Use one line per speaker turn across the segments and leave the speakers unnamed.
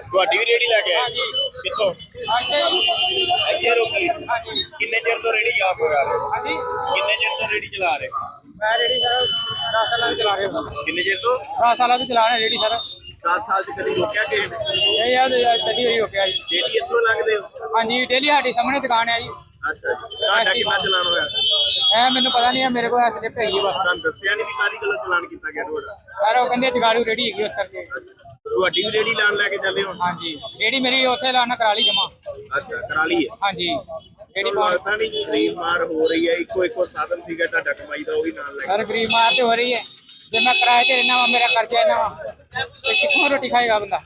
ਤੁਹਾਡੀ ਵੀ ਰੇੜੀ ਲੈ ਕੇ ਆਏ ਕਿੱਥੋਂ? ਇੱਥੇ ਰੋਕੀ। ਕਿੰਨੇ ਚਿਰ ਤੋਂ ਰੇੜੀ ਆਪ ਲਗਾ ਰਹੇ ਹੋ? ਕਿੰਨੇ ਚਿਰ ਤੋਂ ਰੇੜੀ ਚਲਾ ਰਹੇ?
ਮੈਂ ਰੇੜੀ ਸਰ 10 ਸਾਲਾਂ ਤੋਂ ਚਲਾ ਰਿਹਾ।
ਕਿੰਨੇ ਚਿਰ ਤੋਂ?
10 ਸਾਲਾਂ ਤੋਂ ਚਲਾ ਰਿਹਾ ਰੇੜੀ ਸਰ।
10 ਸਾਲ ਚ ਕਦੀ ਰੋਕਿਆ ਕਿਸੇ ਨੇ?
ਇਹ ਯਾਰ ਪਹਿਲੀ ਵਾਰੀ ਰੋਕਿਆ ਜੀ।
ਡੇਲੀ ਇੱਥੋਂ ਲੰਘਦੇ ਹੋ?
ਹਾਂਜੀ ਡੇਲੀ ਸਾਡੀ ਸਾਹਮਣੇ ਦੁਕਾਨ ਹੈ ਜੀ।
ਅੱਛਾ ਜੀ। ਤੁਹਾਡਾ ਕਿੰਨਾ ਚਲਾਨ ਹੋਇਆ?
ਇਹ ਮੈਨੂੰ ਪਤਾ ਨਹੀਂ ਹੈ, ਮੇਰੇ ਕੋਲ ਐਸੇ ਤੇ ਹੈਗੀ ਬਸ।
ਤੁਹਾਨੂੰ ਦੱਸਿਆ ਨਹੀਂ ਵੀ ਕਾਹਦੀ ਗੱਲੋਂ ਚਲਾਨ ਕੀਤਾ ਗਿਆ ਤੁਹਾਡਾ?
ਸਰ ਉਹ ਕਹਿੰਦੇ ਜਗਾੜੂ ਰੇੜੀ ਹੈਗੀ ਉਸ ਕਰਕੇ।
ਤੁਹਾਡੀ ਵੀ ਰੇੜੀ ਲਾਣ ਲੈ ਕੇ ਚੱਲੇ ਹੋ?
ਹਾਂਜੀ ਰੇੜੀ ਮੇਰੀ ਉੱਥੇ ਲਾਣਾ ਕਰਾ ਲਈ ਜਮਾ।
ਅੱਛਾ ਕਰਾ ਲਈ ਹੈ।
ਹਾਂਜੀ ਰੇੜੀ
ਲੱਗਦਾ ਨਹੀਂ ਕਿ ਗਰੀਬ ਮਾਰ ਹੋ ਰਹੀ ਹੈ, ਇੱਕੋ ਸਾਧਨ ਸੀਗਾ ਤੁਹਾਡਾ ਕਮਾਈ ਦਾ, ਉਹ ਵੀ ਨਾਲ ਲੈ
ਸਰ ਗਰੀਬ ਮਾਰ ਤੇ ਹੋ ਰਹੀ ਹੈ। ਜੇ ਮੈਂ ਕਿਰਾਏ ਤੇ ਰਹਿਣਾ ਵਾ, ਮੇਰਾ ਖਰਚਾ ਇੰਨਾ ਵਾ, ਤੇ ਕਿੱਥੋਂ ਰੋਟੀ ਖਾਏਗਾ ਬੰਦਾ?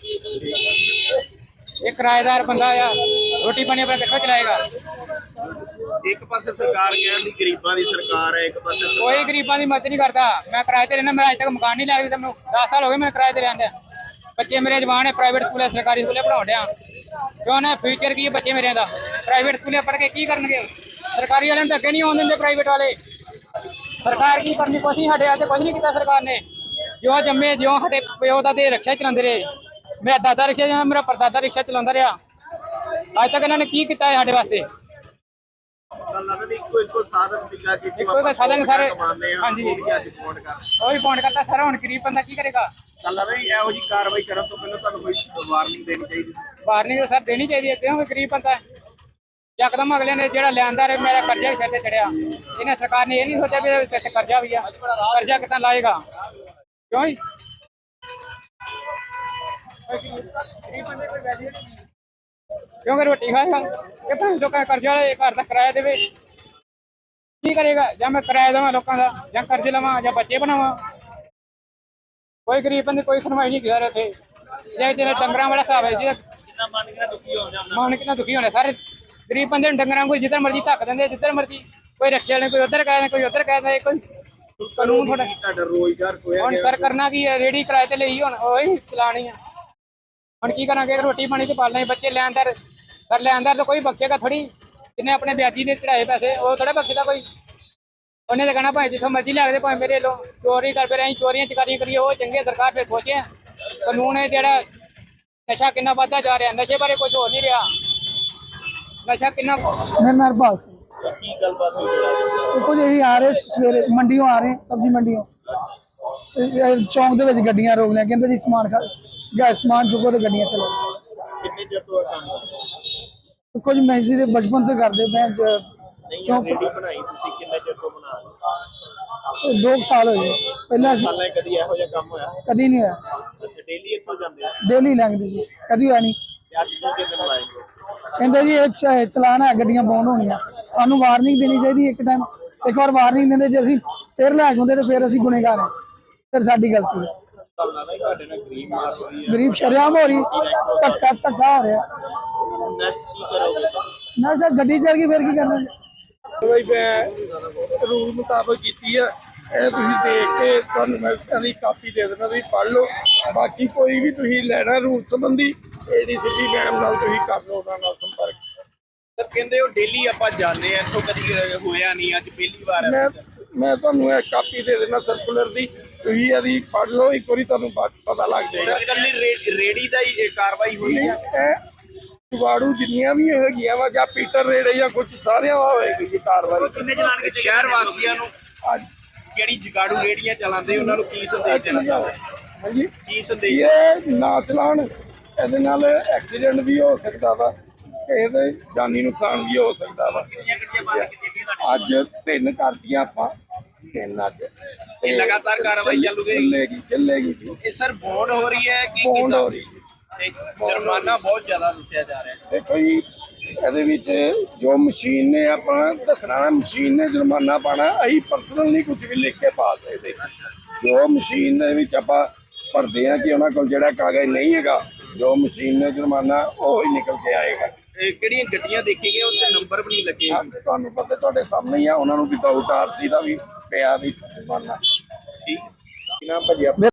ਇਹ ਕਿਰਾਏਦਾਰ ਬੰਦਾ ਆ, ਰੋਟੀ ਪਾਣੀ ਆਪਣਾ ਕਿੱਥੋਂ ਚਲਾਏਗਾ?
ਇੱਕ ਪਾਸੇ ਸਰਕਾਰ ਕਹਿੰਦੀ ਗਰੀਬਾਂ ਦੀ ਸਰਕਾਰ ਹੈ, ਇੱਕ ਪਾਸੇ
ਕੋਈ ਗਰੀਬਾਂ ਦੀ ਮਦਦ ਨਹੀਂ ਕਰਦਾ। ਮੈਂ ਕਿਰਾਏ ਤੇ ਰਹਿਣਾ, ਮੇਰਾ ਅਜੇ ਤੱਕ ਮਕਾਨ ਨਹੀਂ ਲਿਆ। ਮੈਨੂੰ 10 ਸਾਲ ਹੋ ਗਏ ਮੈਂ ਕਿਰਾਏ ਤੇ ਰਹਿੰਦਾ। ਬੱਚੇ ਮੇਰੇ ਜਵਾਨ ਹੈ, ਪ੍ਰਾਈਵੇਟ ਸਕੂਲੇ ਸਰਕਾਰੀ ਸਕੂਲੇ ਪੜਾਉਣ ਡਿਆ। ਕਿਉਂ ਨਾ ਫਿਊਚਰ ਕੀ ਹੈ ਬੱਚੇ ਮੇਰੇ ਦਾ? ਪ੍ਰਾਈਵੇਟ ਸਕੂਲੇ ਪੜ੍ਹ ਕੇ ਕੀ ਕਰਨਗੇ? ਸਰਕਾਰੀ ਵਾਲਿਆਂ ਨੂੰ ਅੱਗੇ ਨਹੀਂ ਆਉਣ ਦਿੰਦੇ ਪ੍ਰਾਈਵੇਟ ਵਾਲੇ। ਸਰਕਾਰ ਕੀ ਕਰਨੀ? ਕੁਛ ਨਹੀਂ, ਸਾਡੇ ਹੱਥ ਕੁਛ ਨਹੀਂ ਕੀਤਾ ਸਰਕਾਰ ਨੇ। ਜੋ ਜੰਮੇ ਜਿਉਂ ਸਾਡੇ ਪਿਓ ਦਾ ਦੇ ਰਿਕਸ਼ਾ ਚਲਾਉਂਦੇ ਰਹੇ। ਮੇਰਾ ਦਾਦਾ ਰਿਕਸ਼ਾ, ਮੇਰਾ ਪਰਦਾਦਾ ਰਿਕਸ਼ਾ ਚਲਾਉਂਦਾ ਰਿਹਾ। ਅੱਜ ਤੱਕ ਇਹਨਾਂ ਨੇ ਕੀ ਕੀਤਾ ਹੈ ਸਾਡੇ ਵਾਸਤੇ?
ਇੱਕੋ ਸਾਧਨ ਸੀਗਾ ਕਿ
ਕੋਈ ਸਾਧਨ ਸਾਰੇ।
ਹਾਂਜੀ
ਉਹ ਵੀ ਪੌਂਡ ਕਰਤਾ ਸਾਰਾ। ਹੁਣ ਗਰੀਬ ਬੰਦਾ ਕੀ ਕਰੇਗਾ?
ਚੱਲ ਰਹੀ ਇਹੋ ਜਿਹੀ ਕਾਰਵਾਈ ਕਰਨ ਤੋਂ ਪਹਿਲਾਂ ਤੁਹਾਨੂੰ ਕੋਈ ਵਾਰਨਿੰਗ ਦੇਣੀ ਚਾਹੀਦੀ?
ਵਾਰਨਿੰਗ ਸਰ ਦੇਣੀ ਚਾਹੀਦੀ ਹੈ, ਕਿਉਂਕਿ ਗਰੀਬ ਬੰਦਾ ਯਕਦਮ ਅਗਲੇ ਨੇ ਜਿਹੜਾ ਲਿਆਂਦਾ ਰੇ ਮੇਰਾ ਕਰਜ਼ਾ ਵੀ ਸਿਰ ਤੇ ਚੜਿਆ। ਇਹਨੇ ਸਰਕਾਰ ਨੇ ਇਹ ਨਹੀਂ ਸੋਚਿਆ ਵੀ ਇਹਦੇ ਸਿਰ ਤੇ ਕਰਜ਼ਾ ਵੀ ਆ, ਕਰਜ਼ਾ ਕਿੱਦਾਂ ਲਾਏਗਾ? ਕਿਉਂ ਜੀ? ਗਰੀਬ ਬੰਦੇ ਕੋਈ ਵੈਲਿਊ ਨਹੀਂ, ਕਿਉਂਕਿ ਰੋਟੀ ਖਾਏਗਾ ਕਿ ਭਾਵੇਂ ਲੋਕਾਂ ਦਾ ਕਰਜ਼ਾ ਘਰ ਦਾ ਕਿਰਾਇਆ ਦੇਵੇ। ਕੀ ਕਰੇਗਾ? ਜਾਂ ਮੈਂ ਕਿਰਾਇਆ ਦੇਵਾਂ ਲੋਕਾਂ ਦਾ, ਜਾਂ ਕਰਜ਼ੇ ਲਵਾਂ, ਜਾਂ ਬੱਚੇ ਬਣਾਵਾਂ। ਕੋਈ ਗਰੀਬ ਬੰਦੇ ਕੋਈ ਸੁਣਵਾਈ ਨਹੀਂ ਕਰ ਰਹੇ ਇੱਥੇ। ਜੇ ਜਿਹੜੇ ਡੰਗਰਾਂ ਵਾਲਾ ਹਿਸਾਬ ਹੈ ਜੀ, ਮਨ ਕਿੰਨਾ ਦੁਖੀ ਹੋਣਾ। ਸਾਰੇ ਗਰੀਬ ਬੰਦੇ ਨੂੰ ਡੰਗਰਾਂ ਕੋਈ ਜਿੱਧਰ ਮਰਜ਼ੀ ਧੱਕ ਦਿੰਦੇ, ਜਿੱਧਰ ਮਰਜ਼ੀ। ਕੋਈ ਰਿਕਸ਼ੇ ਵਾਲੇ ਕੋਈ ਉੱਧਰ ਕਹਿ ਦਿੰਦੇ, ਕੋਈ ਉੱਧਰ ਕਹਿ ਦਿੰਦੇ। ਕੋਈ ਕਾਨੂੰਨ
ਤੁਹਾਡਾ ਰੋਜ਼ਗਾਰ ਖੋਇਆ
ਹੁਣ ਸਰ ਕਰਨਾ ਕੀ ਹੈ? ਰੇੜੀ ਕਿਰਾਏ ਤੇ ਲਈ, ਹੁਣ ਉਹੀ ਚਲਾਣੀ ਆ। ਹੁਣ ਕੀ ਕਰਾਂਗੇ? ਰੋਟੀ ਪਾਣੀ ਤੇ ਪਾਲਣਾ, ਬੱਚੇ ਲੈਣਦਾਰ ਕਰ ਲੈਣਦਾਰ ਤਾਂ ਕੋਈ ਬਖਸ਼ੇਗਾ ਥੋੜੀ। ਜਿਹਨੇ ਆਪਣੇ ਵਿਆਜੀ ਦੇ ਚੜਾਏ ਪੈਸੇ ਉਹ ਥੋੜਾ ਬਖਸ਼ਦਾ ਕੋਈ। ਉਹਨੇ ਤਾਂ ਕਹਿਣਾ ਭਾਵੇਂ ਜਿੱਥੋਂ ਮਰਜ਼ੀ ਲਿਆ ਕੇ ਭਾਵੇਂ ਮੇਰੇ ਲੋ ਚੋਰੀ ਕਰ ਫਿਰ ਅਸੀਂ ਚੋਰੀਆਂ ਚਕਾਰੀਆਂ ਕਰੀਏ, ਉਹ ਚੰਗੇ ਸਰਕਾਰ ਫਿਰ ਸੋਚੇ। ਕਾਨੂੰਨ ਹੈ ਜਿਹੜਾ ਨਸ਼ਾ ਕਿੰਨਾ ਵੱਧਦਾ ਜਾ ਰਿਹਾ, ਨਸ਼ੇ ਬਾਰੇ ਕੁਝ ਹੋ ਨਹੀਂ ਰਿਹਾ। ਨਸ਼ਾ ਕਿੰਨਾ।
मेरा नाम हरपाल सिंह।
ਕੀ ਗੱਲਬਾਤ ਹੋਈ?
देखो जी आ रहे सवेरे मंडियों आ रहे सब्जी मंडियों चौंक ਦੇ ਵਿੱਚ ਗੱਡੀਆਂ ਰੋਕ ਲਿਆ। ਕਹਿੰਦੇ ਜੀ ਸਮਾਨ ਚੁੱਕੋ ਤੇ ਗੱਡੀਆਂ ਚਲੋ।
ਕਿੰਨੇ ਚਿਰ ਤੋਂ ਕੰਮ ਕਰ ਰਹੇ?
ਦੇਖੋ ਜੀ ਮੈਂ ਇਸੇ ਦੇ ਬਚਪਨ ਤੋਂ ਕਰਦੇ ਮੈਂ
ਨਹੀਂ ਰੇੜੀ ਬਣਾਈ ਤੁਸੀਂ ਕਿੰਨੇ ਚਿਰ ਤੋਂ ਬਣਾ ਰਹੇ?
2 ਸਾਲ ਹੋਏ ਪਹਿਲਾਂ
ਸਾਲਾਂ ਕਦੀ ਇਹੋ ਜਿਹਾ ਕੰਮ ਹੋਇਆ?
ਕਦੀ ਨਹੀਂ ਹੋਇਆ।
ਡੇਲੀ ਇੱਥੋਂ ਜਾਂਦੇ ਹੋ?
ਡੇਲੀ ਲੰਘਦੀ ਜੀ, ਕਦੀ ਹੋਇਆ ਨਹੀਂ।
ਅੱਜ ਦੂਜੇ ਦਿਨ ਲਾਏ?
ਕਹਿੰਦੇ ਜੀ ਇਹ ਚਲਾਨ ਹੈ, ਗੱਡੀਆਂ ਬੌਂਡ ਹੋਣੀਆਂ। ਸਾਨੂੰ ਵਾਰਨਿੰਗ ਦੇਣੀ ਚਾਹੀਦੀ ਇੱਕ ਟਾਈਮ। ਇੱਕ ਵਾਰ ਵਾਰਨਿੰਗ ਦਿੰਦੇ, ਜੇ ਅਸੀਂ ਫਿਰ ਲੈ ਕੇ ਆਉਂਦੇ ਤਾਂ ਫਿਰ ਅਸੀਂ ਗੁਨੇਗਾਰ ਹਾਂ, ਫਿਰ ਸਾਡੀ ਗਲਤੀ ਹੈ।
ਤੁਹਾਡੇ ਨਾਲ ਗਰੀਬ ਮਾਰ ਹੋ ਰਹੀ ਹੈ,
ਗਰੀਬ ਸ਼ਰੇਆਮ ਹੋ ਰਹੀ, ਧੱਕਾ ਹੋ ਰਿਹਾ।
ਨੈਕਸਟ ਕੀ ਕਰੋਗੇ?
ਨਾ ਸਰ ਗੱਡੀ ਚੱਲ ਗਈ ਫਿਰ ਕੀ ਕਰਨਾ?
ਬਈ ਮੈਂ ਰੂਲ ਮੁਤਾਬਕ ਕੀਤੀ ਆ। ਇਹ ਤੁਸੀਂ ਦੇਖ ਕੇ ਤੁਹਾਨੂੰ ਮੈਂ ਇਹਦੀ ਕਾਪੀ ਦੇ ਦੇਣਾ, ਤੁਸੀਂ ਪੜ੍ਹ ਲਓ। ਬਾਕੀ ਕੋਈ ਵੀ ਤੁਸੀਂ ਲੈਣਾ ਰੂਲ ਸੰਬੰਧੀ ADCP ਮੈਮ ਨਾਲ ਤੁਸੀਂ ਕਰ ਲਓ, ਉਹਨਾਂ ਨਾਲ ਸੰਪਰਕ।
ਸਰ ਕਹਿੰਦੇ ਉਹ ਡੇਲੀ ਆਪਾਂ ਜਾਂਦੇ ਆ, ਇੱਥੋਂ ਕਦੀ ਹੋਇਆ ਨਹੀਂ, ਅੱਜ ਪਹਿਲੀ ਵਾਰ ਹੈ।
ਮੈਂ ਤੁਹਾਨੂੰ ਇਹ ਕਾਪੀ ਦੇ ਦੇਣਾ ਸਰਕੂਲਰ ਦੀ, ਤੁਸੀਂ ਇਹਦੀ ਪੜ੍ਹ ਲਓ। ਇੱਕ ਵਾਰੀ ਤੁਹਾਨੂੰ ਪਤਾ ਲੱਗ ਜਾਏਗਾ।
ਇਕੱਲੀ ਰੇੜੀ ਦਾ ਹੀ ਕਾਰਵਾਈ ਹੋਈ ਹੈ?
ਇਹ ਜੁਗਾੜੂ ਜਿੰਨੀਆਂ ਵੀ ਹੈਗੀਆਂ ਵਾ, ਜਾਂ ਪੀਟਰ ਰੇੜੇ ਜਾਂ ਕੁਝ ਸਾਰਿਆਂ ਦਾ ਹੋਏਗੀ ਜੀ ਕਾਰਵਾਈ।
ਕਿੰਨੇ ਚਲਾਨ ਸ਼ਹਿਰ ਵਾਸੀਆਂ ਨੂੰ
ਅੱਜ
ਜਿਹੜੀ ਜਗਾੜੂ ਰੇੜੀਆਂ ਚਲਾਉਂਦੇ ਉਹਨਾਂ ਨੂੰ ਕੀ ਸੰਦੇਸ਼ ਦੇਣਾ ਚਾਹੁੰਦੇ?
ਹਾਂਜੀ
ਕੀ ਸੰਦੇਸ਼?
ਇਹ ਨਾ ਚਲਾਉਣ, ਇਹਦੇ ਨਾਲ ਐਕਸੀਡੈਂਟ ਵੀ ਹੋ ਸਕਦਾ ਵਾ, ਇਹਦੇ ਜਾਨੀ ਨੁਕਸਾਨ ਵੀ ਹੋ ਸਕਦਾ ਵਾ। ਅੱਜ 3 ਕਰਤੀਆਂ ਆਪਾਂ, 3 ਅੱਜ
ਇਹ ਲਗਾਤਾਰ ਕਾਰਵਾਈ
ਚੱਲੇਗੀ ਜੀ।
ਇਹ ਸਰ ਬੌਂਡ ਹੋ ਰਹੀ ਹੈ ਕਿ
ਬੌਂਡ ਹੋ ਰਹੀ ਜੀ।
ਜੁਰਮਾਨਾ ਬਹੁਤ ਜ਼ਿਆਦਾ ਦੱਸਿਆ ਜਾ ਰਿਹਾ ਹੈ।
ਦੇਖੋ ਜੀ ਇਹਦੇ ਵਿੱਚ ਜੋ ਮਸ਼ੀਨ ਨੇ ਆਪਣਾ ਦੱਸਣਾ ਨਾ, ਮਸ਼ੀਨ ਨੇ ਜੁਰਮਾਨਾ ਪਾਣਾ। ਅਸੀਂ ਪਰਸਨਲ ਨਹੀਂ ਕੁਝ ਵੀ ਲਿਖ ਕੇ ਪਾ ਸਕਦੇ। ਜੋ ਮਸ਼ੀਨ ਦੇ ਵਿੱਚ ਆਪਾਂ ਭਰਦੇ ਆ ਕਿ ਉਹਨਾਂ ਕੋਲ ਜਿਹੜਾ ਕਾਗਜ਼ ਨਹੀਂ ਹੈਗਾ, ਜੋ ਮਸ਼ੀਨ ਨੇ ਜੁਰਮਾਨਾ ਉਹ ਹੀ ਨਿਕਲ ਕੇ ਆਏਗਾ।
ਕਿਹੜੀਆਂ ਗੱਡੀਆਂ ਦੇਖੀਆਂ ਉੱਤੇ ਨੰਬਰ ਵੀ ਨਹੀਂ ਲੱਗੇ?
ਤੁਹਾਨੂੰ ਪਤਾ ਤੁਹਾਡੇ ਸਾਹਮਣੇ ਹੀ ਆ, ਉਹਨਾਂ ਨੂੰ ਵਿਦਆਊਟ RC ਦਾ ਵੀ ਪਿਆ ਵੀ ਜੁਰਮਾਨਾ।
ਠੀਕ ਨਾ ਭਾਜੀ।